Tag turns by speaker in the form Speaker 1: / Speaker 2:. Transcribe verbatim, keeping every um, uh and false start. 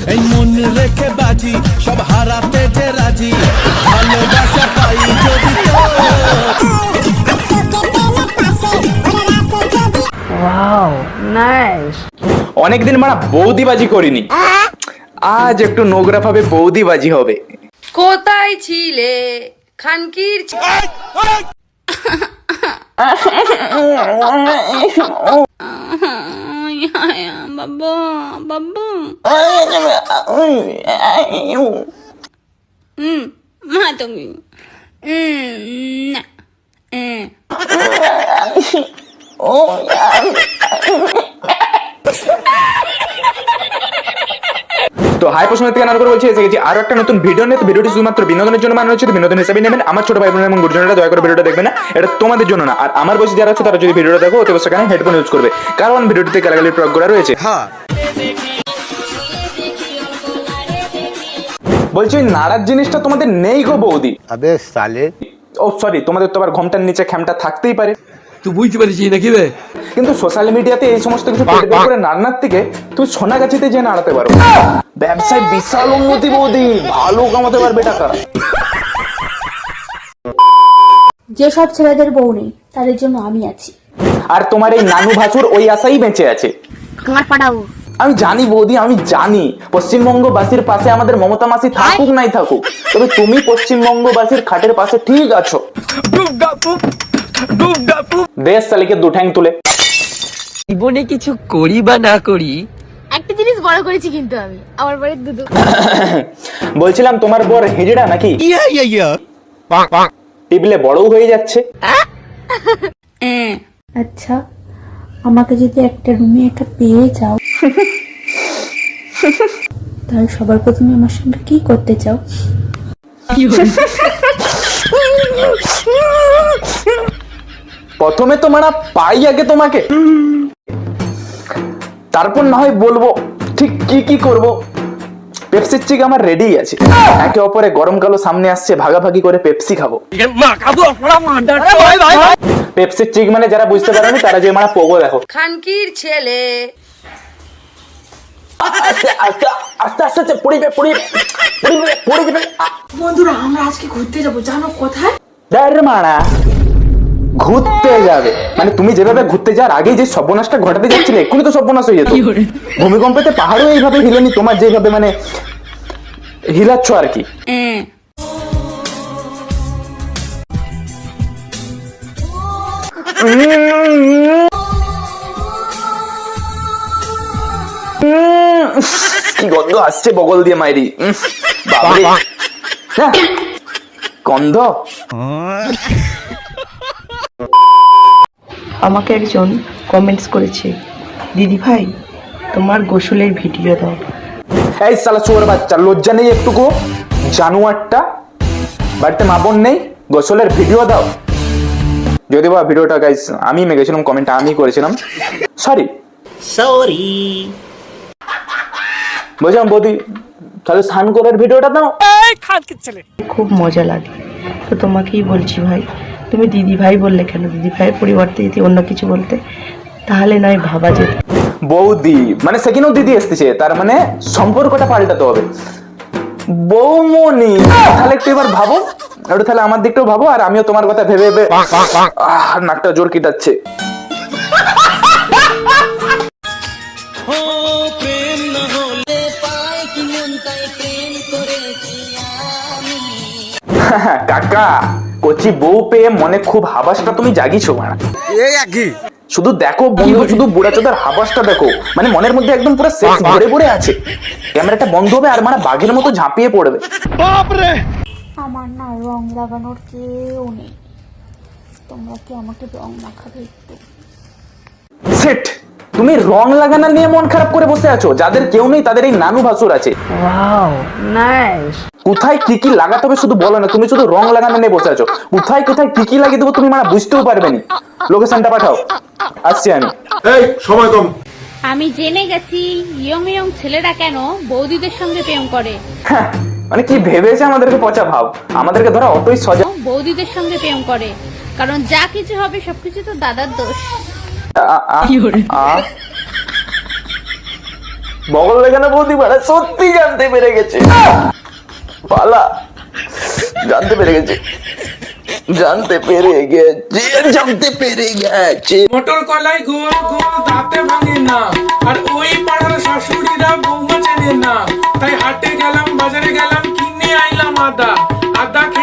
Speaker 1: এই মন রেখে বাজি সব হারাতে যে রাজি ভালোবাসা পাই যদি
Speaker 2: ওয়াও নাইস।
Speaker 3: অনেকদিন মারা বৌদিবাজি করিনি, আজ একটু নোংরা ভাবে বৌদিবাজি হবে।
Speaker 4: কোথায় ছিলে খানকির বাবা বাবা হুম মা তুমি না
Speaker 3: তো হাই প্রশ্ন থেকে নাম করে বলছি এসে গেছি আরো একটা নতুন ভিডিও নিয়ে। তো ভিডিওটি শুধুমাত্র বিনোদনের জন্য বানানো হচ্ছে, বিনোদন হিসেবে নেবেন। আমার ছোট ভাই বোন এবং গুরুজনেরা দয়া করে ভিডিওটা দেখবে না, এটা তোমাদের জন্য না। আর আমার বয়সী যারা আছে তারা যদি ভিডিওটা দেখো অতি অবশ্যই কানে হেডফোন ইউজ করবে, কারণ ভিডিওটিতে গালাগালির প্রয়োগ করা রয়েছে। হ্যাঁ বলছি ওই নাড়ার জিনিসটা তোমাদের নেই গো বৌদি।
Speaker 5: আবে সালে,
Speaker 3: ও সরি, তোমাদের তো আবার ঘমটার নিচে খ্যামটা থাকতেই পারে,
Speaker 1: তুই বুঝতে পারছিস নাকি রে?
Speaker 3: কিন্তু সোশ্যাল মিডিয়াতে এই সমস্ত কিছু পেট বের করে নাড়নার থেকে তুমি সোনাগাছিতে যে নাড়াতে পারো। ব্যবসায় বিশাল উন্নতি বৌদি, ভালো কামাতে পারবে টাকা।
Speaker 6: যেসব ছেলেদের বউ নেই তাদের জন্য আমি আছি।
Speaker 3: আর তোমার এই নানু ভাসুর ওই আশাই বেঁচে আছে।
Speaker 6: আমার পাঠাবো
Speaker 3: আমি জানি বৌদি, আমি জানি পশ্চিমবঙ্গবাসীর পাশে আমাদের মমতা মাসি থাকুক নাই থাকুক, তবে তুমি পশ্চিমবঙ্গবাসীর খাটের পাশে ঠিক আছো। দেশ সালিকে দুঠ্যাং তুলে
Speaker 2: জীবনে কিছু করি বা না করি,
Speaker 6: একটা জিনিস বড় করেছি কিন্তু আমি আমার বাড়ির দুধু।
Speaker 3: বলছিলাম তোমার বর হিজড়া নাকি? টিপলে বড়ও হয়ে যাচ্ছে।
Speaker 6: আচ্ছা আমাকে যদি একটা রুমে একা পেয়ে যাও তাহলে সবার প্রথমে আমার সঙ্গে কি করতে চাও?
Speaker 3: প্রথমে তো মারা পাই আগে তোমাকে, তারপর না হয় বলবো ঠিক কি কি করব। পেপসির চিক আমার রেডি আছে, একে অপরে গরমকালও সামনে আসছে, ভাগাভাগি করে পেপসি খাবো। পেপসির চিক মানে যারা বুঝতে পারেনি তারা যে মারা পোগো দেখো।
Speaker 4: খানকির ছেলে
Speaker 3: আস্তে আস্তে আস্তে আস্তে আস্তে পড়ে যাবে পড়ে যাবে পড়ে যাবে পড়ে যাবে।
Speaker 4: বন্ধুরা আমরা আজকে ঘুরতে যাবো, জানো কোথায়?
Speaker 3: দেড় মারা ঘুরতে যাবে মানে তুমি যেভাবে ঘুরতে যাওয়ার আগে যে সর্বনাশটা ঘটাতে যাচ্ছিলে এক্ষুনি তো সর্বনাশ হয়ে যেত। ভূমিকম্পেতে পাহাড়ও এইভাবে হিলেনি, তোমার যেভাবে মানে হিলাচ্ছ আর কি। কি গন্ধ আসছে বগল দিয়ে মাইরি, বাবারে গন্ধ।
Speaker 2: আমাকে একজন কমেন্টস করেছে, দিদি ভাই তোমার গোসলের ভিডিও দাও।
Speaker 3: এই শালা চোর বাচ্চা, লজ্জা নেই একটুকু? জানুয়ারটা বাড়িতে মা বোন নেই, গোসলের ভিডিও দাও। যদি বা ভিডিওটা গাইস আমি মেগেছিলাম, কমেন্টটা আমি করেছিলাম, সরি সরি। বুঝলাম বৌদি, তাহলে স্নান করার ভিডিওটা দাও।
Speaker 2: খুব মজা লাগে, তো তোমাকেই বলছি ভাই, তুমি দিদি ভাই বললে কেন? দিদি ভাইয়ের পরিবর্তে যদি অন্য কিছু বলতে তাহলে নয় ভাবা যেত।
Speaker 3: বৌদি মানে সেখানেও দিদি এসতেছে, তার মানে সম্পর্কটা পাল্টাতে হবে। বৌমনি তাহলে একটু এবার ভাবো, একটু তাহলে আমার দিকটাও ভাবো, আর আমিও তোমার কথা ভেবে ভেবে আহ নাকটা জোর কিটাচ্ছে। কাকা কচি বউ পেয়ে মনে খুব হাবাসটা তুমি জাগিছো মারা। শুধু দেখো বন্ধু, শুধু বুড়া চোদার হাবাসটা দেখো, মানে মনের মধ্যে একদম পুরো সেক্স ভরে ভরে আছে। ক্যামেরাটা বন্ধ হবে আর মানে বাঘের মতো ঝাঁপিয়ে পড়বে।
Speaker 6: আমার না রং লাগানোর কেউ নেই, তোমরা কি আমাকে রং মাখাবে একটু?
Speaker 3: সেট তুমি রং লাগানো নিয়ে মন খারাপ করে বসে আছো, যাদের কেউ নেই তাদের এই নানু ভাসুর আছে।
Speaker 2: Wow nice.
Speaker 3: কোথায় কি কি লাগাতে হবে শুধু বলো না, তুমি শুধু রং লাগানো নিয়ে বসে আছো। কোথায় কোথায় কি কি লাগিয়ে দেবো তুমি মানে বুঝতেও পারবে না। লোকেশনটা পাঠাও, আসছি আমি।
Speaker 7: এই সময় কম।
Speaker 8: আমি জেনে গেছি ইয়ং ইয়ং ছেলেরা কেন বৌদিদের সঙ্গে প্রেম করে।
Speaker 3: হ্যাঁ, মানে কি ভেবেছে আমাদেরকে পচা ভাব, আমাদেরকে ধরো অতই সজা।
Speaker 8: বৌদিদের সঙ্গে প্রেম করে কারণ যা কিছু হবে সবকিছু তো দাদার দোষ।
Speaker 3: আ- আ- আ- বগল দেখানো বৌদি মানে সত্যি জানতে পেরে গেছে। পালা জানতে পেরে গেছে, জানতে পেরে গেছে, জানতে পেরে গেছে।
Speaker 5: মোটর কলাই গোল গোল দাঁতে ভাঙে না, আর ওই পাড়ার শাশুড়িরা বৌমা চেনে না। তাই হাটে গেলাম, বাজারে গেলাম, কিনে আইলাম আদা। আদা খেয়ে